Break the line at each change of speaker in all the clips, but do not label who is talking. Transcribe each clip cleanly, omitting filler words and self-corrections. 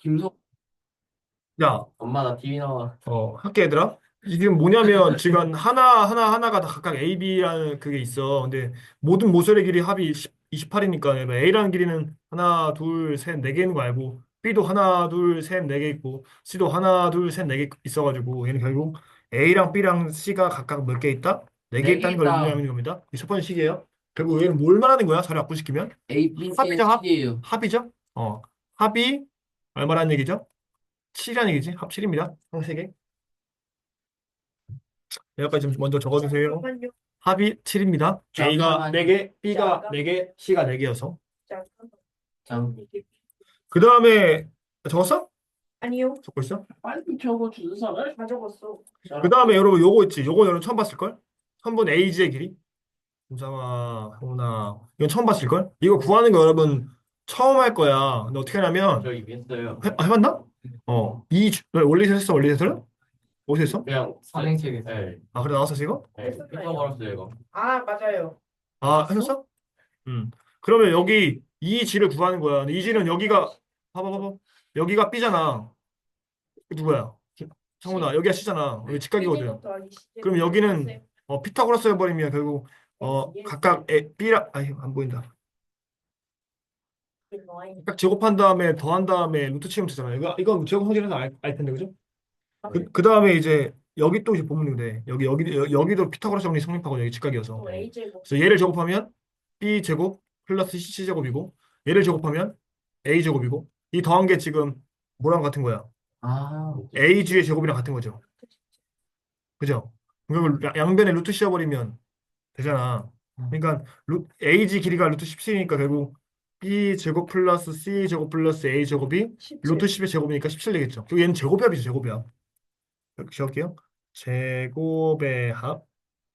김석
야,
엄마 나 TV 나와.
할게, 얘들아. 이게 뭐냐면, 지금 하나가 다 각각 A, B라는 그게 있어. 근데 모든 모서리 길이 합이 28이니까, A라는 길이는 하나, 둘, 셋, 네 개 있는 거 알고, B도 하나, 둘, 셋, 네 개 있고, C도 하나, 둘, 셋, 네 개 있어가지고, 얘는 결국 A랑 B랑 C가 각각 몇 개 있다? 네 개
네 개
있다는 걸
있다.
의미하는 겁니다. 이게 첫 번째 식이에요. 결국 얘는 뭘 말하는 거야? 자리 바꾸시키면?
A, B, C의
합이죠, 합?
합이에요.
합이죠? 합이 얼마라는 얘기죠? 7이라는 얘기지? 합 7입니다. 한 3개. 여기까지 좀 먼저 적어주세요. 잠깐만요. 합이 7입니다. A가
잠깐만요.
4개, B가 4개, C가 4개여서.
잠
그 다음에 적었어?
아니요.
적고 있어?
빨리 적어 준서를.
다 적었어.
그 다음에 여러분 요거 있지. 요거 여러분 처음 봤을걸? 3분 AG의 길이. 김상아, 형훈아. 이건 처음 봤을걸? 이거 구하는 거 여러분 처음 할 거야. 근데 어떻게 하냐면
저 이미 했어요.
해봤나? 원리에서 했어? 원리에서를? 어디서 했어?
그냥 선행책에서. 네.
아, 그래 나왔어 이거?
네. 이거 걸었어요 이거.
아, 맞아요.
아, 하셨어? 그러면 여기 이 지를 구하는 거야. 근데 이 지는 여기가 봐봐. 여기가 B잖아. 이거 누구야? 창훈아. 여기가 C잖아. 여기 직각이거든. 그럼 여기는 피타고라스 해버리면 결국 각각 B랑 아니 안 보인다. 각 제곱한 다음에 더한 다음에 루트 치면 되잖아. 이건 제곱 성질에서 알 텐데 그죠? 그 다음에 이제 여기 또 이제 보면 돼. 여기도 피타고라스 정리 성립하고 여기 직각이어서. 그래서 얘를 제곱하면 B 제곱 플러스 C 제곱이고 얘를 제곱하면 A 제곱이고 이 더한 게 지금 뭐랑 같은 거야?
아,
AG의 제곱이랑 같은 거죠. 그죠? 그걸 양변에 루트 씌워버리면 되잖아. 그러니까 AG 길이가 루트 17이니까 결국 B 제곱 플러스 C 제곱 플러스 A 제곱이 루트 10의 제곱이니까 17 되겠죠. 그리고 얘는 제곱합이죠, 제곱이야. 이렇게 적을게요. 제곱의 합이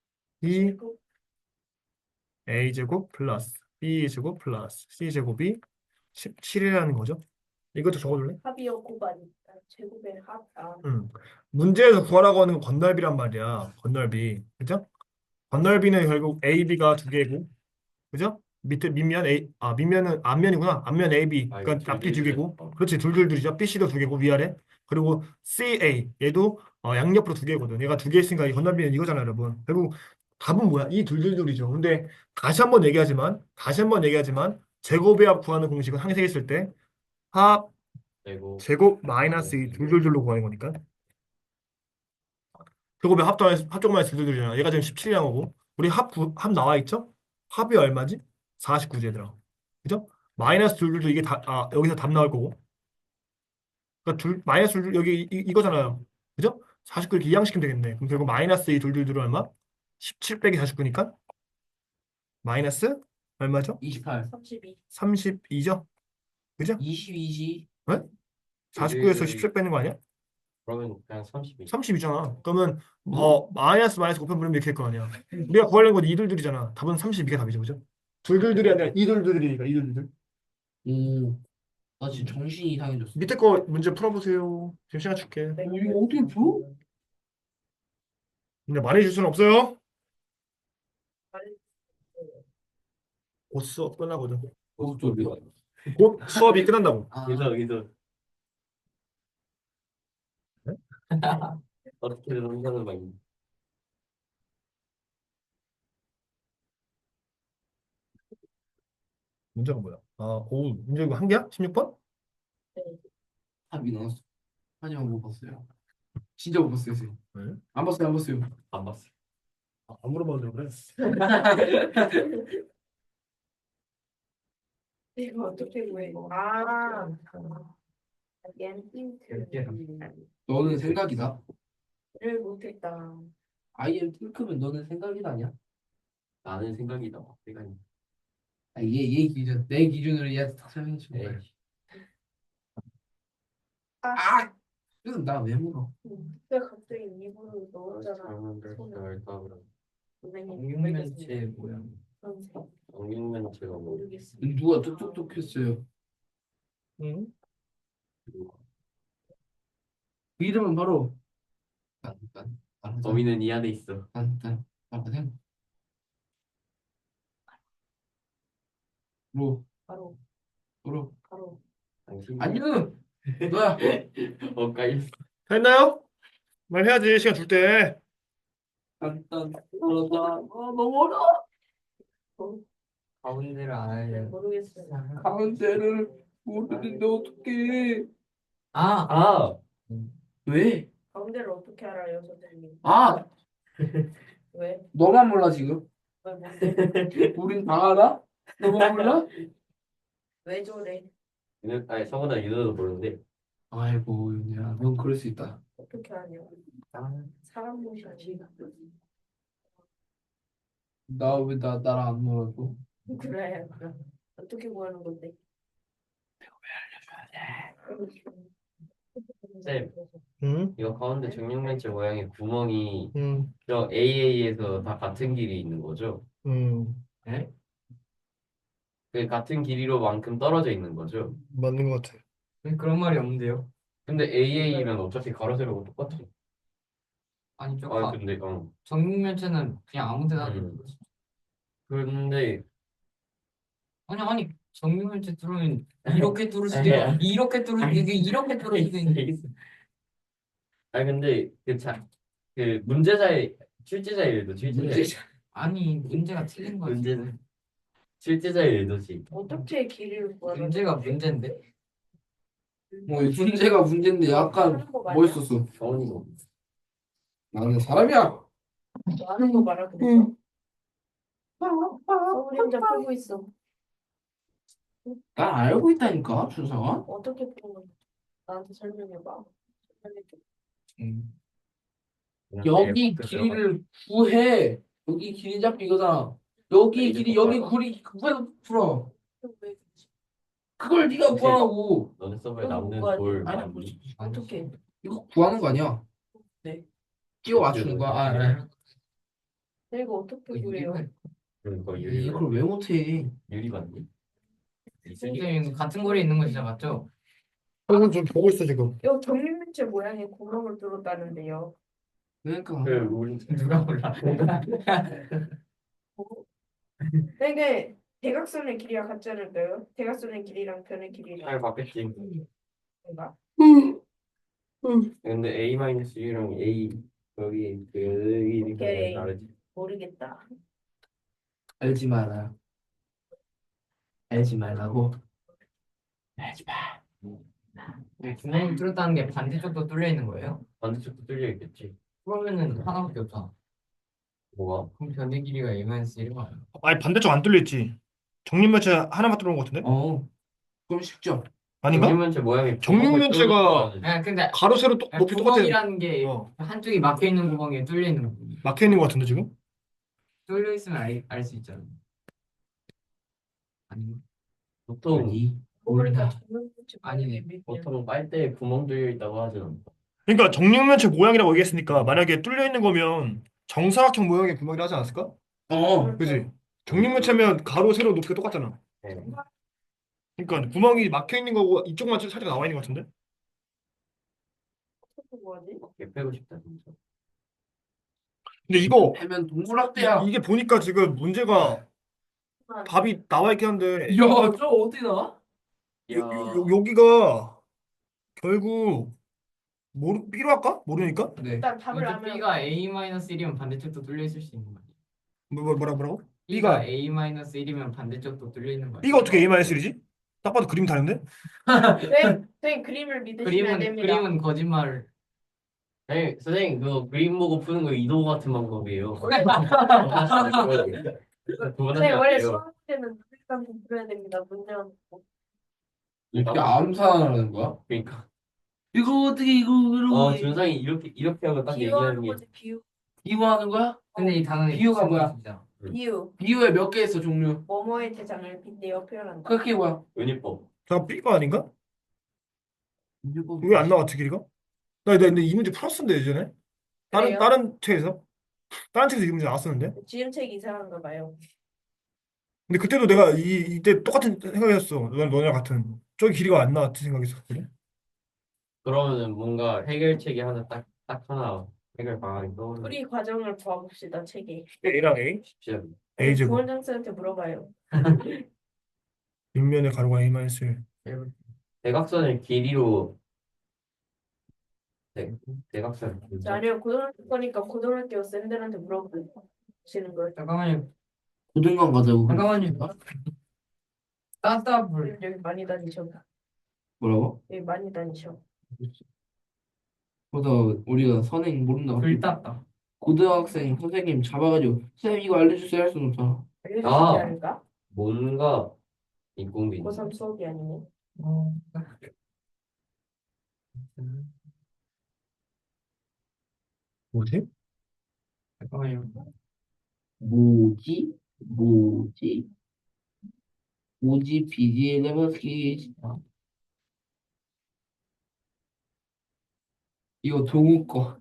A제곱 플러스 B제곱 플러스 C제곱이 17이라는 거죠. 이것도 적어줄래?
합이요, 곱하기. 제곱의 합. 아,
음. 문제에서 구하라고 하는 건 건널비란 말이야. 건널비. 그죠? 건널비는 결국 AB가 두 개고, 그죠? 밑에 밑면 밑면은 앞면이구나. 앞면 AB.
아 이거
그러니까 앞뒤 두
둘둘둘.
개고. 그렇지. 둘둘둘이죠. BC도 두 개고 위아래. 그리고 CA 얘도 양옆으로 두 개거든. 얘가 두 개 있으니까 이 건널비는 이거잖아요, 여러분. 결국 답은 뭐야? 이 둘둘둘이죠. 근데 다시 한번 얘기하지만 제곱의 합 구하는 공식은 항상 했을 때 합
그리고
제곱 마이너스 이 둘둘둘로 구하는 거니까. 제곱의 합쪽만 해서 둘둘둘이잖아. 얘가 지금 17이란 거고. 우리 합 나와 있죠? 합이 얼마지? 49지 얘들아. 그죠? 마이너스 둘둘둘 이게 여기서 답 나올 거고. 그러니까 마이너스 둘둘 여기 이거잖아요. 그죠? 49 이렇게 이항시키면 되겠네. 그럼 결국 마이너스 이 둘둘둘은 얼마? 17 빼기 49니까 마이너스 얼마죠?
28.
32.
32죠? 그죠?
22지.
네? 49에서 17 빼는 거 아니야?
그러면 그냥 32.
30이잖아. 그러면 마이너스 곱하면 이렇게 할 거 아니야. 우리가 구하려는 건 이둘둘이잖아. 답은 32가 답이죠. 그죠? 둘둘둘이 아니라 이둘둘이니까 이둘둘.
오, 나 지금 정신이 이상해졌어.
밑에 거 문제 풀어보세요. 지금 시간 줄게.
이거 어떻게 풀어?
근데 많이 줄 수는 없어요. 곧 수업 끝나거든.
고속도로.
곧 수업이 끝난다고.
아, 여기서
네?
어떻게든 혼자는 막.
문제가 뭐야? 문제 이거 한 개야? 16번?
합이 나왔어. 하지만 못 봤어요. 진짜 못 봤어요, 선생님.
네?
안 봤어요, 안 봤어요. 안 봤어요.
안 물어봐도 그래.
이거 어떻게 구해? 아, 얘는
너는 생각이다.
를 못했다.
아이엠 핑크면 너는 생각이다 아니야? 나는 생각이다. 생각이. 얘 기준, 내 기준으로 얘한테 딱 설명해 주는 거야. 아, 그럼 나왜 물어?
왜 갑자기 입으로 넣었잖아. 손을. 선생님,
정육면체 뭐야?
선생님,
정육면체가 뭐?
모르겠어.
누가 뚝뚝뚝 했어요?
응?
그 이름은 바로 딴딴 범인은 이 안에 있어. 딴딴 딴딴 로
바로,
로
바로.
아니요. 너야.
까이.
다 했나요? 말해야지 시간 줄 때.
간단 어렵다. 너무 어려워.
가운데를 알아야
모르겠어요.
가운데를 모르는데 어떡해.
아,
왜?
가운데를 어떻게 알아요, 선생님?
아,
왜?
너만 몰라 지금.
왜 뭔데?
우린 다 알아? 너만 몰라?
왜 저래?
아니 성훈아 윤호도 모르는데.
아이고 윤희야, 넌 그럴 수 있다.
어떻게 하냐?
아,
사람 모시지.
나랑 안 놀아도.
그래. 어떻게 구하는 건데?
쌤,
응?
이거 가운데 정육면체 모양의 구멍이
응.
저 AA에서 다 같은 길이 있는 거죠?
응.
네?
그 같은 길이로만큼 떨어져 있는 거죠?
맞는 것 같아.
그런 말이 없는데요.
근데 AA면 어차피 가로 세로가 똑같아.
아니, 저
근데
정육면체는 그냥 아무 데나
음. 근데
아니 정육면체 뚫으면 이렇게 뚫을 수도 있고 이렇게 뚫을 수도 있고 이렇게 뚫을 수도 있고
근데 그 문제자의 출제자의 의도 출제자의
아니 문제가 틀린 거지.
문제는 출제자의 의도지.
어떻게 길이를 구하는
문제가 문제인데.
뭐 문제가 문제인데 약간
하는 거 맞냐?
멋있었어.
경훈이고.
나는 사람이야.
하는 거 말아 그래서. 서울이 혼자 풀고 있어.
난 알고 있다니까 준성아.
어떻게 푸는 건데? 나한테 설명해봐. 설명해줘.
여기 길이를 구해. 여기 길이 잡기 이거잖아. 여기 길이 여기 구리 구해서 풀어.
왜?
그걸 네가 구하라고.
너네 서버에
그건
남는
뭐가
돌
아니,
많니?
어떻게?
이거 구하는 거 아니야?
네.
끼워 맞추는 거야.
내가 어떻게 구해요?
그거
이걸 왜 못해?
유리 맞니?
선생님 같은 거리에 있는 거 진짜 맞죠?
형은 좀 보고 있어 지금.
요 정육면체 모양의 구멍을 뚫었다는데요.
그러니까
그 우리
누가 몰라.
이게 대각선의 길이가 같지 않을까요? 대각선의 길이랑 변의 길이랑
잘 바뀌었지.
뭔가?
근데 A-1랑 A 여기 그
오케이.
다르지.
모르겠다.
알지 마라. 알지 말라고. 알지 마.
구멍이 뚫었다는 게 반대쪽도 뚫려 있는 거예요?
반대쪽도 뚫려 있겠지.
그러면은 하나밖에 없잖아.
뭐가?
그럼 변의 길이가 A-1가
아니 반대쪽 안 뚫려 있지. 정육면체 하나만 뚫은 것 같은데?
그럼 쉽죠.
아닌가?
정육면체 모양이
정육면체가
아 근데
가로 세로 높이 똑같아.
구멍이라는 게
어.
한쪽이 막혀 있는 구멍에 뚫려 있는 구멍.
막혀 있는 것 같은데 지금?
뚫려 있으면 알 수 있잖아. 아니
보통
모르니까
모르다.
정육면체
아니네.
모양의
보통 빨대에 구멍 뚫려 있다고 하진 않아.
그러니까 정육면체 모양이라고 얘기했으니까 만약에 뚫려 있는 거면 정사각형 모양의 구멍이라 하지 않았을까? 그지? 정육면체면 가로 세로 높이가 똑같잖아.
네.
그러니까 구멍이 막혀 있는 거고 이쪽만 살짝 나와 있는 것 같은데?
뭐지?
얘 빼고 싶다 진짜.
근데 이거
하면 동물학대야.
이게 보니까 지금 문제가 답이 나와 있긴 한데
야, 저 어디 나와?
야,
여기가 결국 필요할까? 모르니까?
네.
일단 답을
근데
알면
B가 A-1이면 반대쪽도 뚫려 있을 수 있는 거 아니야?
뭐라고?
B가
B가
A-1이면 반대쪽도 뚫려 있는 거 아니야?
B가 어떻게 A-1이지? 딱 봐도 그림 다른데?
선생님 그림을 믿으시면 안 됩니다.
그림은 거짓말.
선생님 그거 그림 보고 푸는 거 이도 같은 방법이에요.
선생님 원래 수학 문제는 눈을 감고 풀어야 됩니다. 문제는
이렇게 암산하는 거야?
그러니까
이거 어떻게 이거
준상이 이렇게 하고 딱 얘기하는
비유하는
게
거지 비유.
비유하는 거야?
근데 이 단어는
비유가 뭐야?
진짜.
비유.
비유에 몇 개 있어 종류?
뭐뭐의 대장을 빗대어 표현한다.
그게 뭐야?
은유법.
자 B가 아닌가? 왜 안 나왔지 길이가? 나 근데 이 문제 풀었었는데 예전에
그래요?
다른 책에서 이 문제 나왔었는데
지음책 이상한가 봐요.
근데 그때도 내가 이때 똑같은 생각이었어 너네랑 같은 저기 길이가 안 나왔지 생각했었거든
그러면은 뭔가 해결책이 하나 딱 하나 해결 방안이 떠오르는
우리 과정을 구해봅시다 책에.
A랑 A
쉽지 않네.
A 제곱
부원장 쌤한테 물어봐요.
윗면의 가로가 A-1
해볼 대각선을 길이로 대, 대각선 길이.
아니요, 고등학교 거니까 고등학교 쌤들한테 물어보시는 거예요.
잠깐만요.
고등관 가자고.
잠깐만요. 따따블.
쌤 여기 많이 다니셔.
뭐라고?
여기 많이 다니셔.
그래서 우리가 선행 모른다고.
글 땄다.
고등학생 선생님 잡아가지고 쌤 이거 알려주세요 할 수는 없잖아.
알려주시지
아.
않을까?
뭔가 인공비.
고3 수업이 아니네.
어,
뭐지?
잠깐만요.
뭐지? 뭐지? 뭐지? BG 레버스키. 이거 동우 거.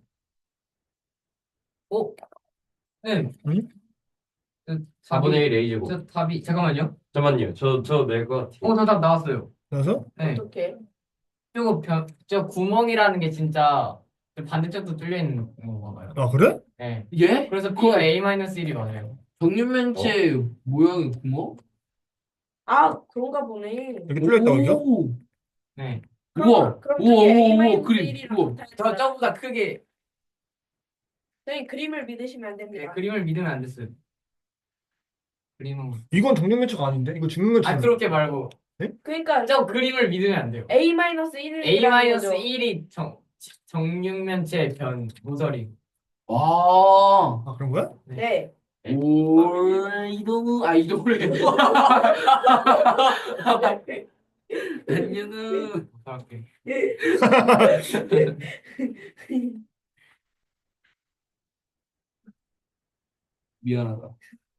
어? 네.
응?
저
4분의 1 A제곱.
저 답이 잠깐만요.
잠깐만요. 저낼것 같아요.
저 답 나왔어요.
그래서
네.
어떻게?
저 구멍이라는 게 진짜 그 반대쪽도 뚫려 있는 건가 봐요.
아 그래?
네.
예?
그래서 B가 A-1이 맞아요.
정육면체 모양이 구멍?
아, 그런가 보네.
여기 뚫려 있다고 이겨?
오!
네.
우와!
그럼
우와,
그게
우와, 우와,
A-1이랑
그림, 우와.
저보다 크게
선생님 그림을 믿으시면 안 됩니다.
그림을 믿으면 안 됐어요. 그림은
이건 정육면체가 아닌데? 이거 증육면체.
그렇게 말고
그러니까
저 그림을 믿으면 안 돼요.
A-1을
A-1이 정육면체 변 모서리.
와!
아 그런 거야?
네.
올, 이동우, 이동우래. 안녕은.
어떻게?
미안하다.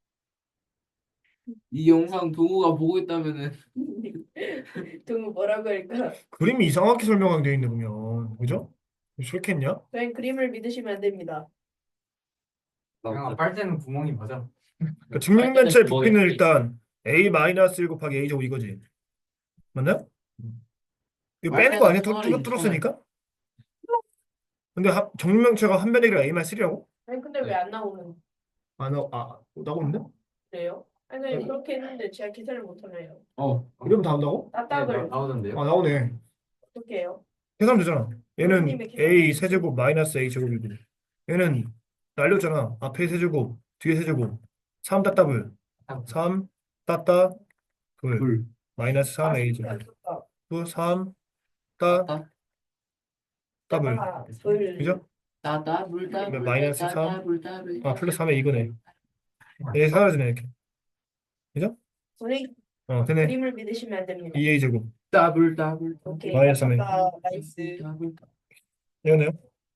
이 영상 동우가 보고 있다면은
동우 뭐라고 할까?
그림이 이상하게 설명하게 돼 있네 보면. 그죠? 그렇겠냐?
선생님 그림을 믿으시면 안 됩니다.
그냥 빨대는 구멍이 맞아.
그러니까 증육면체
뭐
부피는
있지?
일단 A-1 곱하기 A 제곱 이거지. 맞나요? 이거
맞아요.
빼는 거 아니야?
차라리
뚫었으니까? 근데 정육면체가 한 변의 길이가 A-3라고?
아니 근데 왜 안 나오는
나오는데?
그래요? 아니 선생님 그렇게 했는데 제가 계산을 못하네요.
이러면 다 한다고?
따따블
나오던데요?
아 나오네.
어떻게 해요?
계산하면 되잖아. 얘는
선생님의 계산.
A 세제곱 마이너스 A 제곱이고 얘는 날렸잖아. 앞에 세제곱 뒤에 세제곱 3 따따블 3 따따 불
불.
마이너스 3 A 제곱 또 3 따 따블
불.
그죠?
따따 불따
그러면
불따
마이너스
따따
3.
불따 불.
플러스 3에 이거네. 얘 사라지네 이렇게. 그죠?
선생님
되네.
그림을 믿으시면 안 됩니다.
2A 제곱
따블 따블.
오케이.
마이너스 3A.
나이스.
이거네요.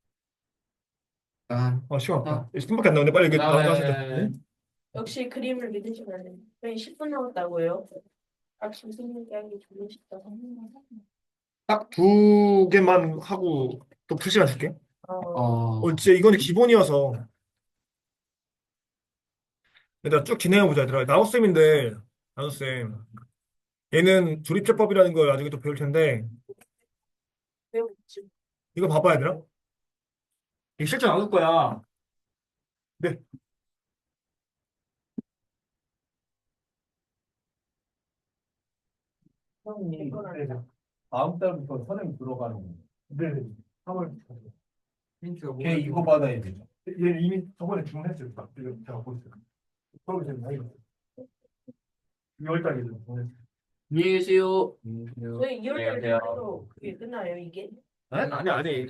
아,
시간 없다. 10분밖에 안 나오는데 빨리 이거 나가시죠.
역시 그림을 믿으시면 안 됩니다. 선생님 10분 남았다고요? 선생님께 하기 좀 쉽다.
딱 두 개만 하고 또 2시간 줄게. 진짜 이거는 기본이어서 일단 쭉 진행해보자 얘들아. 나우쌤인데 나우쌤 얘는 조립제법이라는 걸 나중에 또 배울 텐데
배우겠지.
이거 봐봐 얘들아. 이거 실제 나눌 거야. 네.
다음 달부터 선행 들어가는 거예요. 네, 3월.
힌트가
걔 이거 받아야 되죠. 얘 이미 저번에 주문했어요. 딱 이거 제가 보였어요. 서울 지금 나이 2월 달에 주문했어요.
안녕히 계세요.
저희 2월 달에
안녕하세요.
또 그게 끝나요 이게?
아니.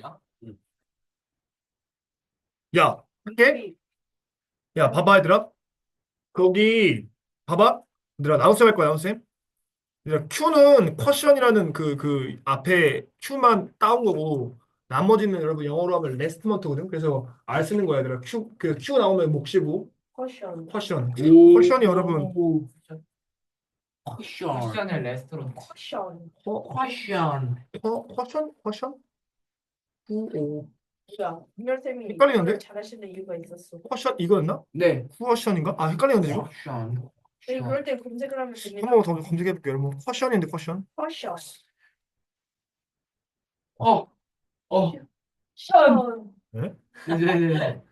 야, 할게. 야, 봐봐 얘들아. 거기 봐봐. 얘들아 나우쌤 할 거야 나우쌤. 얘들아 Q는 쿼션이라는 그 앞에 Q만 따온 거고 나머지는 여러분 영어로 하면 레스트먼트거든. 그래서 R 쓰는 거야 얘들아. Q 나오면 몫이고
커션.
쿼션.
오.
쿼션이 여러분
쿼션.
쿠션의 레스토랑.
커션.
쿼션.
쿼션? 오.
뭐야? 민열쌤이
헷갈리는데?
잘하시는 이유가 있었어.
쿼션 이거였나?
네.
쿼션인가? 헷갈리는데 지금.
쿼션.
네, 그럴 때 검색을 하면 됩니다.
한 번 더 검색해 볼게요. 여러분 쿼션인데 쿼션.
커션.
어.
션.
네?
네.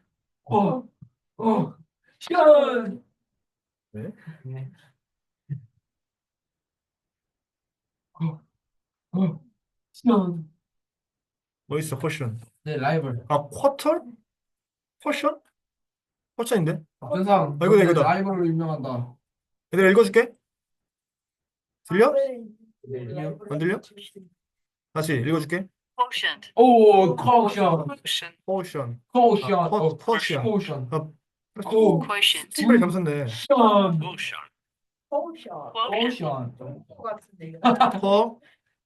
션.
네?
네.
시원.
뭐 있어? 포션.
네, 라이벌.
아, 쿼터? 포션? 포션인데?
전상.
아, 이거다, 이거다.
라이벌로 유명한다.
얘들아 읽어줄게. 들려?
네.
안 들려? 다시 읽어줄게.
오, 코션.
포션.
코션.
아, 포션.
코션.
아,
오,
신발이 감췄네.
션.
포션.
코션.
것 같은데.
퍼,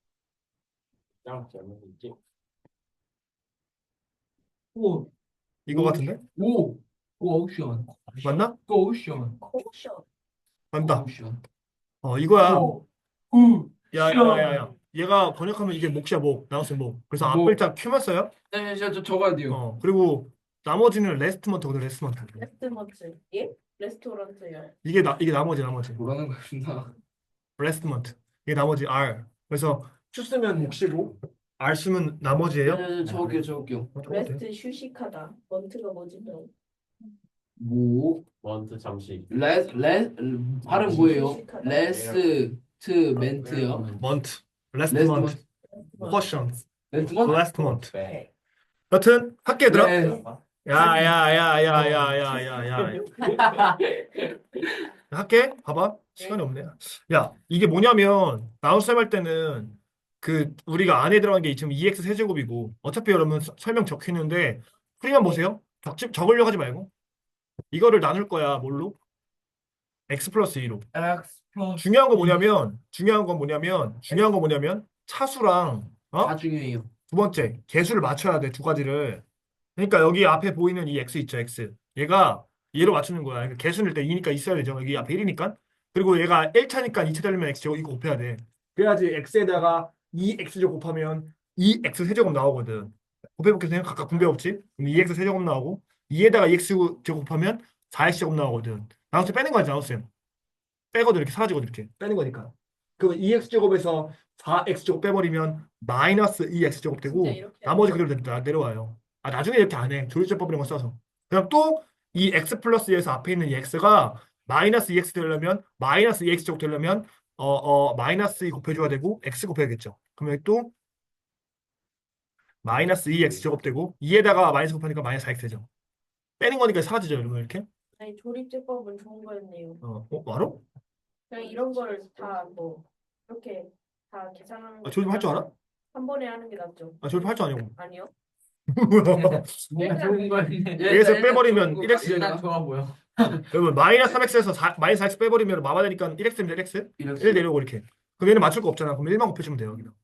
짱 재밌지.
오,
이거 같은데?
오, 오션.
맞나?
코션.
포션.
맞다.
코션.
이거야.
오, 우,
야, 야, 야, 야. 얘가 번역하면 이게 목이야, 목. 나우스 목. 그래서
목.
앞글자 큐만 써요.
네, 저 적어야 돼요.
그리고 나머지는 레스트먼트거든, 레스트먼트.
레스토랑트. 예? 레스토랑트요.
이게 나머지.
뭐라는 거야, 나.
레스트먼트. 이게 나머지 R. 그래서 큐 쓰면 목시고 R 쓰면 나머지예요.
네, 적을게요.
적어도 돼.
레스트 휴식하다. 먼트가 뭐지? 너?
모,
원투 잠시.
발음 뭐예요? 레스트멘트요.
먼트, 레스트먼트,
레스트먼트.
포션,
레스트먼트?
레스트먼트.
네.
여튼 학교 얘들아.
네.
야야야야야야야야. 할게. 봐봐. 시간이 없네. 야, 이게 뭐냐면 나우쌤 할 때는 그 우리가 안에 들어간 게 지금 2x 세제곱이고 어차피 여러분 설명 적혀 있는데 풀이만 보세요. 적으려고 하지 말고 이거를 나눌 거야. 뭘로? x 플러스 2로. 중요한 건 뭐냐면 차수랑
다 중요해요.
두 번째 개수를 맞춰야 돼. 두 가지를. 그러니까 여기 앞에 보이는 이 x 있죠, x. 얘가 얘로 맞추는 거야. 그러니까 개수는 일단 2니까 있어야 되죠. 여기 앞에 1이니까. 그리고 얘가 1차니까 2차 되려면 x제곱 이거 곱해야 돼. 그래야지 x에다가 2x제곱 곱하면 2x 세제곱 나오거든. 곱해볼게요. 각각 분배법칙. 그럼 2x 세제곱 나오고 2에다가 2x제곱 곱하면 4x제곱 나오거든. 나우스 빼는 거지, 나우스. 빼거든. 이렇게 사라지거든. 이렇게 빼는 거니까. 그럼 2x제곱에서 4x제곱 빼버리면 마이너스 2x제곱 되고
진짜 이렇게
나머지 그대로 내려와요. 나중에 이렇게 안 해. 조리제법 이런 거 써서. 그냥 또 이 x 플러스 2에서 앞에 있는 이 x가 마이너스 2x 되려면 마이너스 2x제곱 되려면 마이너스 2 곱해줘야 되고 x 곱해야겠죠. 그러면 또 마이너스 2x제곱 되고 2에다가 마이너스 곱하니까 마이너스 4x 되죠. 빼는 거니까 사라지죠. 이러면 이렇게.
아니 조립제법은 좋은 거였네요.
알아?
그냥 이런 거를 다 뭐 이렇게 다 계산하는 거.
조립할 줄 알아?
한 번에 하는 게 낫죠.
조립할 줄 아냐고.
아니요.
뭔가 좋은 거였네.
여기서 빼버리면 1x
일단
되니까.
좋아 보여.
여러분 마이너스 3x에서 마이너스 4x 빼버리면 마마되니까 1x입니다. 1x. 1 내려오고 이렇게. 그럼 얘는 맞출 거 없잖아. 그럼 1만 곱해주면 돼요. 여기다.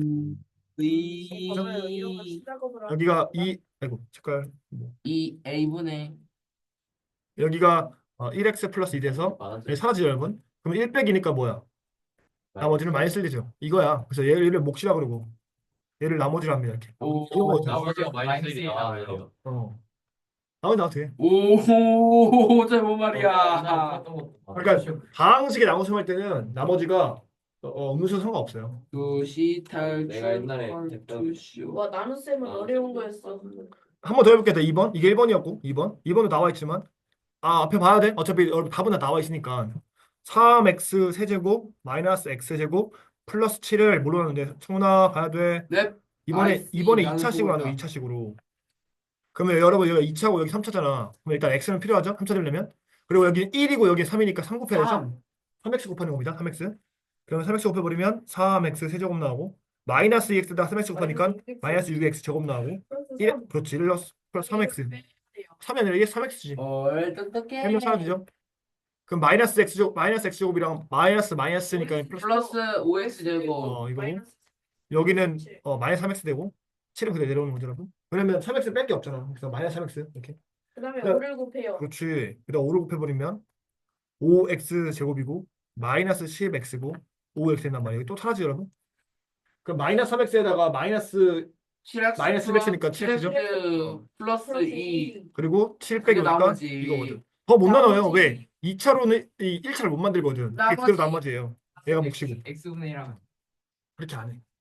저는 이런 거 수작업을 하는
여기가 2 아이고 색깔
이 A분의
여기가 1x 플러스 2 돼서 여기 사라지죠 여러분. 그럼 1 빼기니까 뭐야? 나머지는 마이너스 1이죠. 이거야. 그래서 얘를 몫이라 그러고 얘를 나머지로 합니다. 이렇게. 이런 거 어때요?
나머지가 마이너스 1이 나와요.
나머지 돼.
오, 잘못 말이야.
그러니까 방식의 나머지 할 때는 나머지가 음수는 상관없어요.
두시 탈출
내가 옛날에
컬투쇼.
와 나눗셈은 어려운 거였어.
한 번 더 해볼게요. 2번. 이게 1번이었고 2번도 나와 있지만 앞에 봐야 돼. 어차피 여러분 답은 다 나와 있으니까 3x 세제곱 마이너스 x 제곱 플러스 7을 뭘로 하는데 청훈아 봐야 돼.
네.
이번에
아이씨,
2차식으로 하는 거
양수구나.
2차식으로. 그러면 여러분 여기 2차고 여기 3차잖아. 그럼 일단 x는 필요하죠. 3차 되려면. 그리고 여기 1이고 여기 3이니까 3 곱해야 되죠. 3x 곱하는 겁니다. 3x. 그러면 3x 곱해버리면 3x 세제곱 나오고 마이너스 2x에다 3x 곱하니까 마이너스 6x 제곱 나오고 1 그렇지 1 플러스 3x 3이 아니라 이게 3x지.
똑똑해.
해면 사라지죠. 그럼 마이너스 x제곱이랑 마이너스니까
플러스 5x 제곱.
이거고 여기는 마이너스 3x 되고 7은 그대로 내려오는 거죠 여러분. 왜냐면 3x 뺄 게 없잖아. 그래서 마이너스 3x 이렇게.
그다음에
그럼-
5를 곱해요.
그렇지. 그다음 5를 곱해버리면 5x 제곱이고 마이너스 10x고 5x 된단 말이에요. 또 사라지죠 여러분. 그럼 마이너스 3x에다가 마이너스
7x
마이너스 7x니까
7x 플러스 2.
그리고 7
그게
빼기 5니까
나머지.
이거거든. 더 못 나눠요.
나머지.
왜? 2차로는 이 1차를 못 만들거든. 이게 그대로
나머지.
나머지예요. 얘가 몫이고.
X분의 1하면
그렇게 안 해.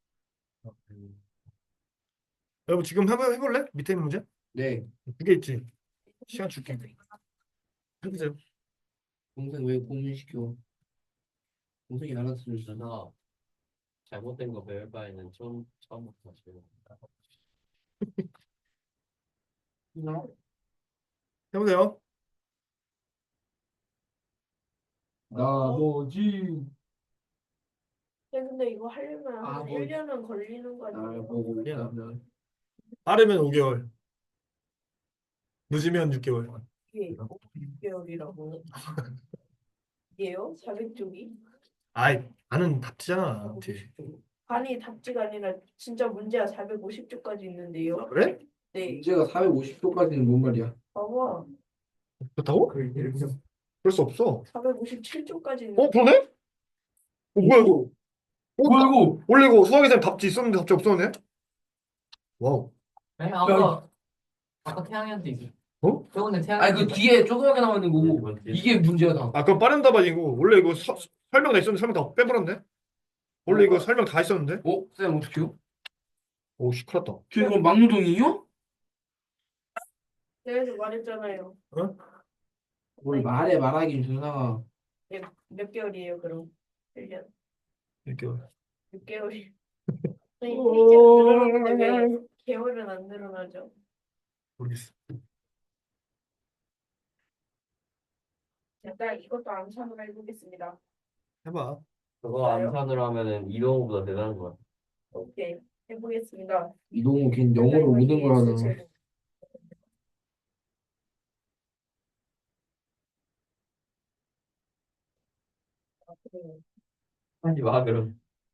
여러분 지금 해볼래? 밑에 있는 문제?
네.
두 개 있지. 시간 줄게. 해보세요.
동생 왜 고민시켜? 동생이 알아서 주잖아.
잘못된 거 배울 바에는 처음부터 다시 배워.
해보세요.
나머지
근데 이거 하려면
아,
한
뭐.
1년은 걸리는 거
날
아니에요?
보고 있다면
빠르면 5개월, 늦으면 6개월.
이게 6개월이라고. 이게요? 400쪽이?
아이, 나는 답지잖아.
아니 답지가 아니라 진짜 문제가 450쪽까지 있는데요.
그래?
네.
문제가 450도까지는 뭔 말이야?
봐봐.
그렇다고? 그럴 수 없어.
457쪽까지 있는.
그러네? 뭐야 이거?
뭐야 이거?
원래 이거 수학에서 답지 있었는데 답지 없었네? 와우.
네, 아까 태양이한테 있어.
어?
저번에
아니
태양이
그 뒤에 조그맣게 나와 있는 거고 이게 문제야 다.
아, 그럼 빠른 답 아니고 원래 이거 설명 다 있었는데 설명 다 빼버렸네? 원래 이거 설명 다 있었는데?
쌤 어떡해요?
오, 시끄럽다.
저 이거 막노동이에요?
그래서 말했잖아요.
뭘 말하긴 준상아.
몇 개월이에요 그럼? 1년.
6개월.
6개월이. 아니 페이지는 늘어나는데 왜 개월은 안 늘어나죠?
모르겠어.
일단 이것도 암산으로 해보겠습니다.
해봐.
그거 암산으로 하면은 이동호보다 대단한 거야.
오케이 해보겠습니다.
이동호 걔 영어로 모든 걸 하잖아.
하지 마 그럼.